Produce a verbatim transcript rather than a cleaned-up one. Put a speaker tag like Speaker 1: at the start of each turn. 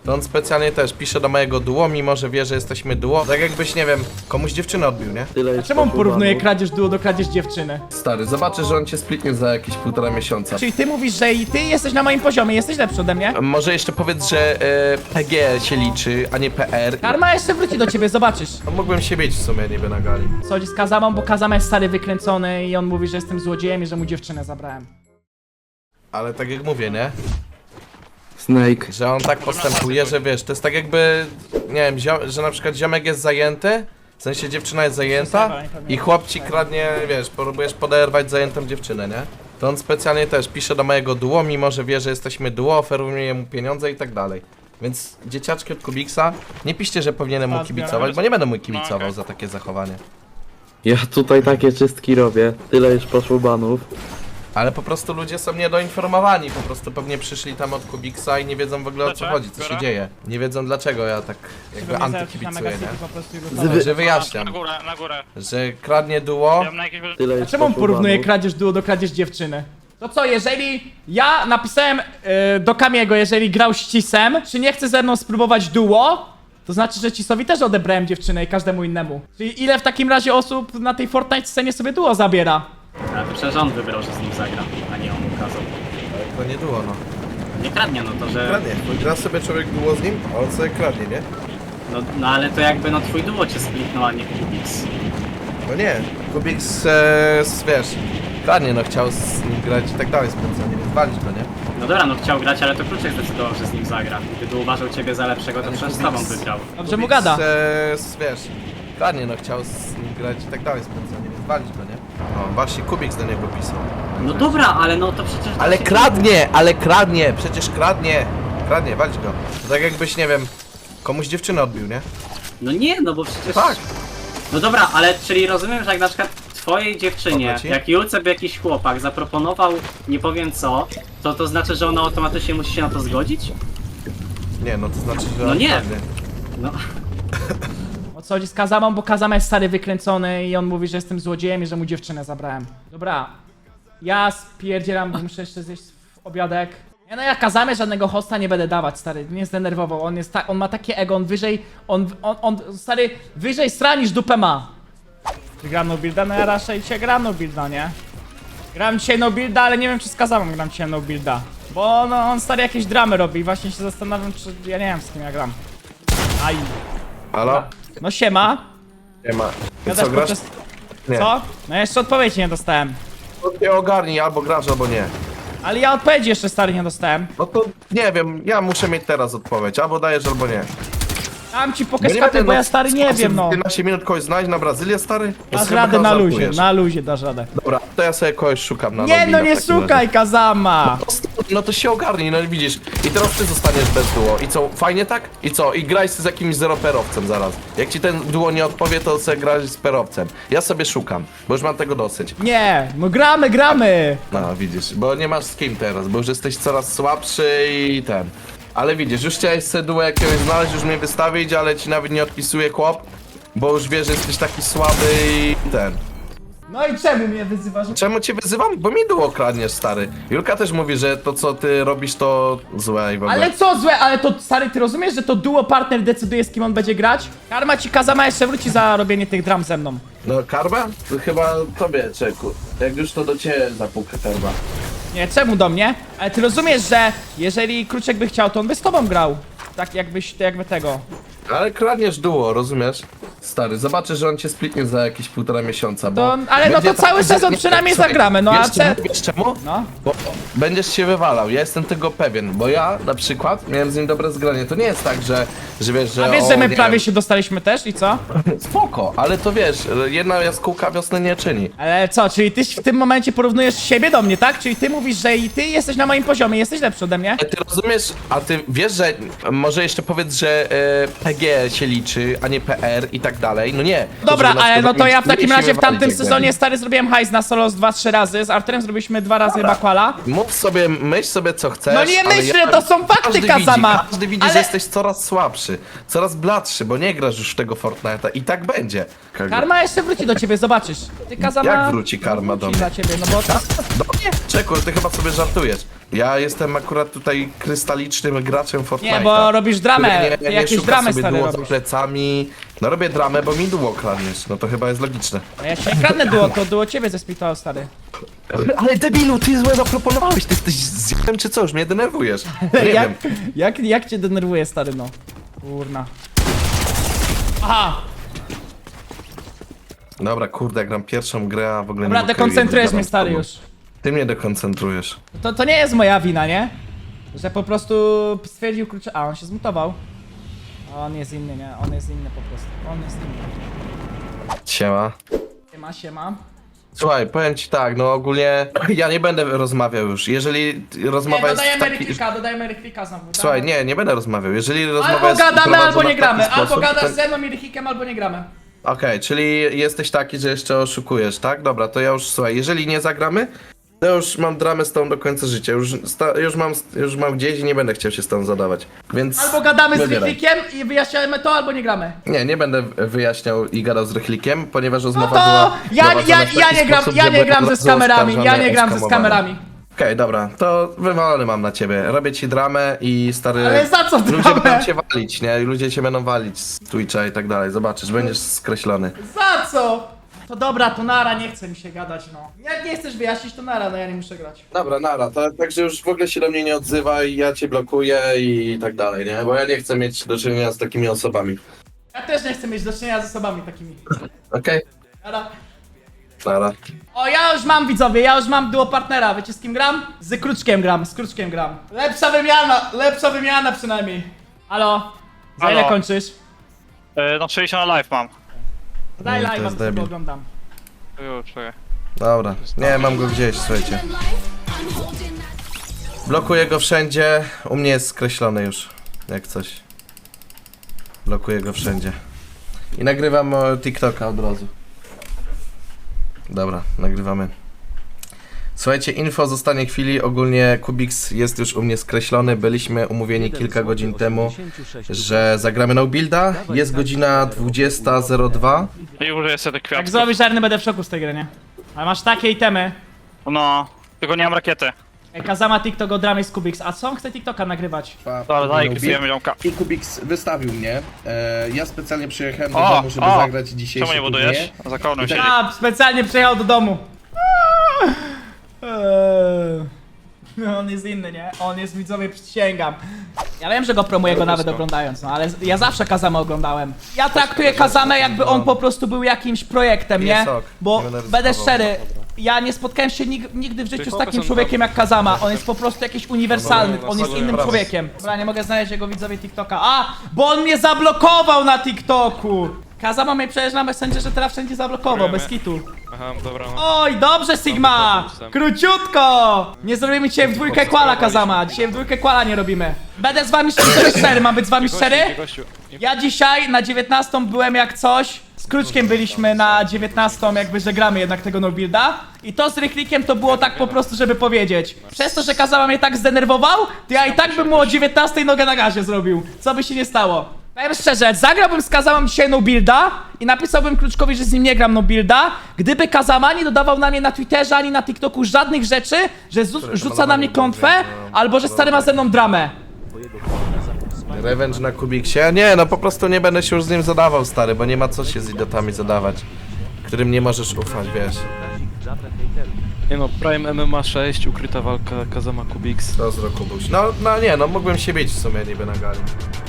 Speaker 1: To on specjalnie też pisze do mojego duo, mimo że wie, że jesteśmy duo. Tak jakbyś, nie wiem, komuś dziewczynę odbił, nie?
Speaker 2: Tyle
Speaker 3: A
Speaker 2: jest
Speaker 3: czemu on
Speaker 2: poszło
Speaker 3: porównuje
Speaker 2: banów.
Speaker 3: kradzież duo do kradzież dziewczyny?
Speaker 1: Stary, zobaczysz, że on cię splitnie za jakieś półtora miesiąca.
Speaker 3: Czyli ty mówisz, że i ty jesteś na moim poziomie, jesteś lepszy ode mnie?
Speaker 1: Może jeszcze powiedz, że e, P G się liczy, a nie P R.
Speaker 3: Karma jeszcze wróci do ciebie, zobaczysz.
Speaker 1: No, mógłbym się bić w sumie niby na gali.
Speaker 3: Co chodzi z Kazamą, bo Kazama jest stary wykręcony i on mówi, że jestem złodziejem i że mu dziewczynę zabrałem.
Speaker 1: Ale tak jak mówię, nie?
Speaker 2: Snake.
Speaker 1: Że on tak postępuje, że wiesz, to jest tak jakby, nie wiem, zio- że na przykład ziomek jest zajęty, w sensie dziewczyna jest zajęta i chłop ci kradnie, wiesz, próbujesz poderwać zajętą dziewczynę, nie? To on specjalnie też pisze do mojego duo, mimo że wie, że jesteśmy duo, oferuje mu pieniądze i tak dalej. Więc dzieciaczki od Kubiksa, nie piszcie, że powinienem mu kibicować, bo nie będę mu kibicował za takie zachowanie.
Speaker 2: Ja tutaj takie czystki robię. Tyle już poszło banów.
Speaker 1: Ale po prostu ludzie są niedoinformowani, po prostu pewnie przyszli tam od Kubiksa i nie wiedzą w ogóle o co chodzi, co się dzieje. Nie wiedzą dlaczego ja tak jakby antykibicuję, nie? Także wyjaśniam,
Speaker 4: Na górę, na górę.
Speaker 1: że kradnie duo.
Speaker 4: Ja na jakieś...
Speaker 2: Tyle
Speaker 3: A
Speaker 2: już
Speaker 3: czemu on
Speaker 2: poszło
Speaker 3: porównuje
Speaker 2: banów.
Speaker 3: kradzież duo do kradzież dziewczyny? To co, jeżeli ja napisałem yy, do Kamiego, jeżeli grał z Cisem, czy nie chce ze mną spróbować duo, to znaczy, że Cisowi też odebrałem dziewczynę i każdemu innemu. Czyli ile w takim razie osób na tej Fortnite scenie sobie duo zabiera?
Speaker 5: Ale to przecież on wybrał, że z nim zagra, a nie on ukazał.
Speaker 1: To nie duo, no.
Speaker 5: Nie kradnie, no to że...
Speaker 1: Kradnie, bo gra sobie człowiek duo z nim, a on sobie kradnie, nie?
Speaker 5: No, no ale to jakby no twój duo cię splitnął, a nie Kubix.
Speaker 1: No nie, Kubiks, e, s- wiesz, kradnie, no chciał z nim grać i tak dalej specjalnie, więc walić go, nie?
Speaker 5: No dobra, no chciał grać, ale to Kruczek zdecydował, że z nim zagra. Gdyby uważał ciebie za lepszego, to
Speaker 1: Ale
Speaker 5: przecież z
Speaker 1: Kubiks-
Speaker 5: tobą wygrał.
Speaker 3: Dobrze mu
Speaker 1: Kubiks,
Speaker 3: gada.
Speaker 1: E, s- wiesz, kradnie, no chciał z nim grać i tak dalej specjalnie, więc walić go, nie? No właśnie Kubiks do niego pisał.
Speaker 5: No dobra, ale no to przecież...
Speaker 1: Ale kradnie, ale kradnie, przecież kradnie. Kradnie, walić go. To tak jakbyś, nie wiem, komuś dziewczynę odbił, nie?
Speaker 5: No nie, no bo przecież...
Speaker 1: Tak.
Speaker 5: No dobra, ale czyli rozumiem, że jak na przykład twojej dziewczynie,
Speaker 1: Dobra ci?
Speaker 5: jak Julce by jakiś chłopak zaproponował nie powiem co, to to znaczy, że ona automatycznie musi się na to zgodzić?
Speaker 1: Nie, no to znaczy, że
Speaker 5: No
Speaker 1: on
Speaker 5: nie.
Speaker 1: kradnie.
Speaker 5: No...
Speaker 3: O co chodzi z Kazamą, bo Kazama jest stary wykręcony i on mówi, że jestem złodziejem i że mu dziewczynę zabrałem. Dobra, ja spierdzielam, bo muszę jeszcze zjeść obiadek. Ja no ja Kazamie żadnego hosta nie będę dawać, stary, nie zdenerwował, on jest tak, on ma takie ego, on wyżej, on, on, on, stary, wyżej stra niż dupę ma. Ty gram no builda? No ja raczej dzisiaj gram no builda, nie? Gram dzisiaj no builda, ale nie wiem czy z Kazamą gram dzisiaj no builda. Bo no, on stary jakieś dramy robi i właśnie się zastanawiam, czy ja nie wiem z kim ja gram. Aj.
Speaker 1: Halo?
Speaker 3: No siema.
Speaker 1: Nie ma. I
Speaker 3: Gadasz
Speaker 1: co, grasz?
Speaker 3: podczas...
Speaker 1: Nie.
Speaker 3: Co? No jeszcze odpowiedzi nie dostałem.
Speaker 1: To nie ogarnij, albo grasz, albo nie.
Speaker 3: Ale ja odpowiedzi jeszcze stary nie dostałem.
Speaker 1: No to nie wiem, ja muszę mieć teraz odpowiedź, albo dajesz, albo nie.
Speaker 3: Dam ci
Speaker 1: Bo
Speaker 3: pokaz
Speaker 1: nie
Speaker 3: karty,
Speaker 1: będę,
Speaker 3: bo
Speaker 1: no,
Speaker 3: ja stary nie wiem no.
Speaker 1: piętnaście minut kogoś znaleźć na Brazylię, stary? To
Speaker 3: Dasz
Speaker 1: chyba
Speaker 3: radę na luzie,
Speaker 1: żartujesz.
Speaker 3: na luzie dasz radę.
Speaker 1: Dobra, to ja sobie kogoś szukam na
Speaker 3: Nie
Speaker 1: Nobila
Speaker 3: no
Speaker 1: w
Speaker 3: nie
Speaker 1: takim
Speaker 3: szukaj
Speaker 1: razie.
Speaker 3: Kazama!
Speaker 1: No to się ogarnij, no i widzisz. I teraz ty zostaniesz bez duo. I co, fajnie tak? I co? I graj z jakimś zeroperowcem zaraz. Jak ci ten duo nie odpowie, to sobie graj z perowcem. Ja sobie szukam, bo już mam tego dosyć.
Speaker 3: Nie, no gramy, gramy!
Speaker 1: No widzisz, bo nie masz z kim teraz, bo już jesteś coraz słabszy i ten. Ale widzisz, już chciałeś sobie duo jakiegoś znaleźć, już mnie wystawić, ale ci nawet nie odpisuje chłop, bo już wie, że jesteś taki słaby i ten.
Speaker 3: No i czemu mnie wyzywasz?
Speaker 1: Czemu cię wyzywam? Bo mi duo kradniesz, stary. Julka też mówi, że to co ty robisz to złe i w ogóle.
Speaker 3: Ale co złe, ale to stary, ty rozumiesz, że to duo partner decyduje z kim on będzie grać? Karma ci Kazama jeszcze wróci za robienie tych dram ze mną.
Speaker 1: No karma? To chyba tobie, czeku. Jak już to do ciebie zapuka karma.
Speaker 3: Nie, czemu do mnie? Ale ty rozumiesz, że jeżeli Kruczek by chciał, to on by z tobą grał. Tak jakbyś, jakby tego.
Speaker 1: Ale kradniesz duo, rozumiesz? Stary, zobaczysz, że on cię splitnie za jakieś półtora miesiąca, bo...
Speaker 3: To, ale no
Speaker 1: będzie
Speaker 3: to cały
Speaker 1: że-
Speaker 3: sezon
Speaker 1: nie,
Speaker 3: przynajmniej
Speaker 1: słuchaj,
Speaker 3: zagramy, no a
Speaker 1: wiesz,
Speaker 3: ce...
Speaker 1: czemu- Wiesz czemu?
Speaker 3: No.
Speaker 1: Bo będziesz się wywalał, ja jestem tego pewien, bo ja na przykład miałem z nim dobre zgranie. To nie jest tak, że, że wiesz, że...
Speaker 3: A wiesz,
Speaker 1: o,
Speaker 3: że my
Speaker 1: nie
Speaker 3: prawie
Speaker 1: wiem,
Speaker 3: się dostaliśmy też i co?
Speaker 1: Spoko, ale to wiesz, jedna jaskółka wiosny nie czyni.
Speaker 3: Ale co, czyli ty w tym momencie porównujesz siebie do mnie, tak? Czyli ty mówisz, że i ty jesteś na moim poziomie, jesteś lepszy ode mnie?
Speaker 1: Ale ty rozumiesz, a ty wiesz, że może jeszcze powiedz, że e, P G się liczy, a nie P R i tak tak dalej, no nie.
Speaker 3: Dobra,
Speaker 1: Żeby na
Speaker 3: ale no
Speaker 1: przykład
Speaker 3: to
Speaker 1: nie-
Speaker 3: ja w
Speaker 1: nie
Speaker 3: takim
Speaker 1: się
Speaker 3: razie w
Speaker 1: wywalić,
Speaker 3: tamtym
Speaker 1: jak
Speaker 3: sezonie
Speaker 1: będzie.
Speaker 3: stary zrobiłem hajs na solo z dwa trzy razy, z Arturem zrobiliśmy dwa razy chyba kwala.
Speaker 1: Mów sobie, myśl sobie co chcesz.
Speaker 3: No nie
Speaker 1: ale
Speaker 3: myślę,
Speaker 1: ja-
Speaker 3: to są fakty,
Speaker 1: każdy
Speaker 3: Kazama.
Speaker 1: Widzi, każdy widzi,
Speaker 3: Ale-
Speaker 1: że jesteś coraz słabszy, coraz bladszy, bo nie grasz już w tego Fortnite'a i tak będzie.
Speaker 3: Karma jeszcze wróci do ciebie, zobaczysz. Ty Kazama...
Speaker 1: Jak wróci karma do
Speaker 3: wróci
Speaker 1: mnie?
Speaker 3: dla ciebie, no bo...
Speaker 1: Do mnie? Czeku, ty chyba sobie żartujesz. Ja jestem akurat tutaj krystalicznym graczem Fortnite'a.
Speaker 3: Nie, bo robisz dramę,
Speaker 1: który
Speaker 3: ty
Speaker 1: nie, nie
Speaker 3: jakieś
Speaker 1: szuka
Speaker 3: dramy
Speaker 1: sobie
Speaker 3: stare
Speaker 1: duo za
Speaker 3: robisz.
Speaker 1: plecami. No robię dramę, bo mi duo kradniesz. No to chyba jest logiczne.
Speaker 3: A ja się nie kradnę duo, to duo ciebie zesplitował, stary.
Speaker 1: Ale debilu, ty złe zaproponowałeś, ty jesteś zjem czy co? Już mnie denerwujesz. No nie
Speaker 3: jak,
Speaker 1: wiem.
Speaker 3: jak, jak cię denerwuje, stary, no. Kurna. Aha!
Speaker 1: Dobra, kurde, jak gram pierwszą grę, a w ogóle
Speaker 3: Dobra,
Speaker 1: nie
Speaker 3: dekoncentrujesz mnie, stary, już.
Speaker 1: Ty mnie dekoncentrujesz.
Speaker 3: To, to nie jest moja wina, nie? Że po prostu stwierdził klucze... A, on się zmutował. A on jest inny, nie? On jest inny po prostu. On jest inny.
Speaker 1: Siema.
Speaker 3: Siema, siema.
Speaker 1: Słuchaj, powiem ci tak, no ogólnie ja nie będę rozmawiał już. Jeżeli
Speaker 3: Nie,
Speaker 1: rozmowa jest
Speaker 3: dodajemy
Speaker 1: taki...
Speaker 3: Ryklika, dodajemy Ryklika znowu.
Speaker 1: Słuchaj,
Speaker 3: dawaj.
Speaker 1: nie, nie będę rozmawiał. Jeżeli rozmowa
Speaker 3: Albo
Speaker 1: jest
Speaker 3: gadamy,
Speaker 1: prowadzona
Speaker 3: albo nie
Speaker 1: w taki
Speaker 3: gramy. Albo
Speaker 1: sposób,
Speaker 3: gadasz
Speaker 1: to-
Speaker 3: ze mną i Rychlikiem, albo nie gramy.
Speaker 1: Okej, czyli jesteś taki, że jeszcze oszukujesz, tak? Dobra, to ja już, słuchaj, jeżeli nie zagramy, to już mam dramę z tą do końca życia. Już, sta, już, mam, już mam gdzieś i nie będę chciał się z tą zadawać. Więc
Speaker 3: Albo gadamy z
Speaker 1: wybieraj.
Speaker 3: Rychlikiem i wyjaśniamy to, albo nie gramy.
Speaker 1: Nie, nie będę wyjaśniał i gadał z Rychlikiem, ponieważ
Speaker 3: No
Speaker 1: rozmowa
Speaker 3: to
Speaker 1: była
Speaker 3: ja,
Speaker 1: prowadzona
Speaker 3: ja,
Speaker 1: w taki
Speaker 3: ja nie gram,
Speaker 1: sposób,
Speaker 3: ja
Speaker 1: że
Speaker 3: nie
Speaker 1: byłem
Speaker 3: gram ze
Speaker 1: bardzo
Speaker 3: z kamerami, ja
Speaker 1: oskarżony,
Speaker 3: nie gram ze z
Speaker 1: oskamowany.
Speaker 3: kamerami.
Speaker 1: Okej, dobra, to wywalony mam na ciebie. Robię ci dramę i stary...
Speaker 3: Ale za co
Speaker 1: Ludzie
Speaker 3: dramę?
Speaker 1: będą cię walić, nie? I ludzie cię będą walić z Twitcha i tak dalej. Zobaczysz, będziesz skreślony.
Speaker 3: Za co? To dobra, to nara, nie chce mi się gadać, no. Jak nie chcesz wyjaśnić, to nara, no ja nie muszę grać.
Speaker 1: Dobra, nara, to, także już w ogóle się do mnie nie odzywaj, ja cię blokuję i tak dalej, nie? Bo ja nie chcę mieć do czynienia z takimi osobami.
Speaker 3: Ja też nie chcę mieć do czynienia z osobami takimi.
Speaker 1: Okej?
Speaker 3: Nara.
Speaker 1: Nara.
Speaker 3: O, ja już mam, widzowie, ja już mam duo partnera. Wiecie z kim gram? Z Kruczkiem gram, z Kruczkiem gram. Lepsza wymiana, lepsza wymiana przynajmniej. Halo? Za
Speaker 4: Halo.
Speaker 3: ile kończysz?
Speaker 4: E, no sześćdziesiąt na live mam.
Speaker 3: Daj
Speaker 1: No, to
Speaker 3: live'a,
Speaker 1: jest
Speaker 3: bo sobie
Speaker 1: debil.
Speaker 3: oglądam.
Speaker 4: Ju, czekaj.
Speaker 1: Dobra, nie, mam go gdzieś, słuchajcie. Blokuję go wszędzie, u mnie jest skreślony już, jak coś. Blokuję go wszędzie. I nagrywam o, TikToka od razu. Dobra, nagrywamy. Słuchajcie, info zostanie chwili, ogólnie Kubix jest już u mnie skreślony, byliśmy umówieni kilka godzin temu, że zagramy no builda, jest godzina dwudziesta zero dwa.
Speaker 4: I użyję sobie tych
Speaker 3: Jak
Speaker 4: kwiatków.
Speaker 3: zrobisz żarny, będę w szoku z tej gry, nie? Ale masz takie itemy.
Speaker 4: No, tylko nie mam rakiety.
Speaker 3: Ej, Kazama TikTok o dramie z Kubix, a co on chce TikToka nagrywać?
Speaker 4: Dobra, daj, klipujemy ziomka.
Speaker 1: I Kubix wystawił mnie, e, ja specjalnie przyjechałem do
Speaker 4: O,
Speaker 1: domu, żeby
Speaker 4: o,
Speaker 1: zagrać dzisiejszy
Speaker 4: Czemu nie budujesz? Za kołną siedzi.
Speaker 3: A, specjalnie przyjechał do domu. Eee. No, on jest inny, nie? On jest, widzowie, przysięgam. Ja wiem, że go promuję go nawet oglądając, no ale ja zawsze Kazamę oglądałem. Ja traktuję Kazamę, jakby on po prostu był jakimś projektem, nie?
Speaker 1: Jest ok,
Speaker 3: Bo
Speaker 1: nie będę
Speaker 3: będę
Speaker 1: ryzykował.
Speaker 3: szczery, ja nie spotkałem się nig nigdy w życiu z takim człowiekiem jak Kazama. On jest po prostu jakiś uniwersalny, on jest innym człowiekiem. Dobra, nie mogę znaleźć jego widzowie TikToka. A, bo on mnie zablokował na TikToku! Kazama mnie przecież na Messengerze teraz wszędzie zablokował, bez kitu.
Speaker 6: Aha, dobra, no.
Speaker 3: Oj, dobrze Sigma! Króciutko! Nie zrobimy dzisiaj w dwójkę kwala, Kazama. Dzisiaj w dwójkę kwala nie robimy. Będę z wami szczery, szczery. Mam być z wami szczery?
Speaker 6: Gościu, nie-
Speaker 3: Ja dzisiaj na dziewiętnastą byłem jak coś. Z Kruczkiem byliśmy na dziewiętnastą, jakby że gramy jednak tego no builda. I to z Rychlikiem to było tak po prostu, żeby powiedzieć. Przez to, że Kazama mnie tak zdenerwował, to ja i tak bym mu o dziewiętnastej nogę na gazie zrobił. Co by się nie stało. Powiem szczerze, zagrałbym z Kazamą dzisiaj no builda i napisałbym Kruczkowi, że z nim nie gram no builda, gdyby Kazama nie dodawał na mnie na Twitterze ani na TikToku żadnych rzeczy, że zu- rzuca na mnie klątwę, albo że stary ma ze mną dramę.
Speaker 1: Revenge na Kubiksie? Nie, no po prostu nie będę się już z nim zadawał, stary, bo nie ma co się z idiotami zadawać, którym nie możesz ufać, wiesz.
Speaker 6: Nie no, Prime M M A sześć, ukryta walka Kazama Kubix.
Speaker 1: To z roku Kubuś. No, no nie, no mógłbym się bić w sumie niby na gali.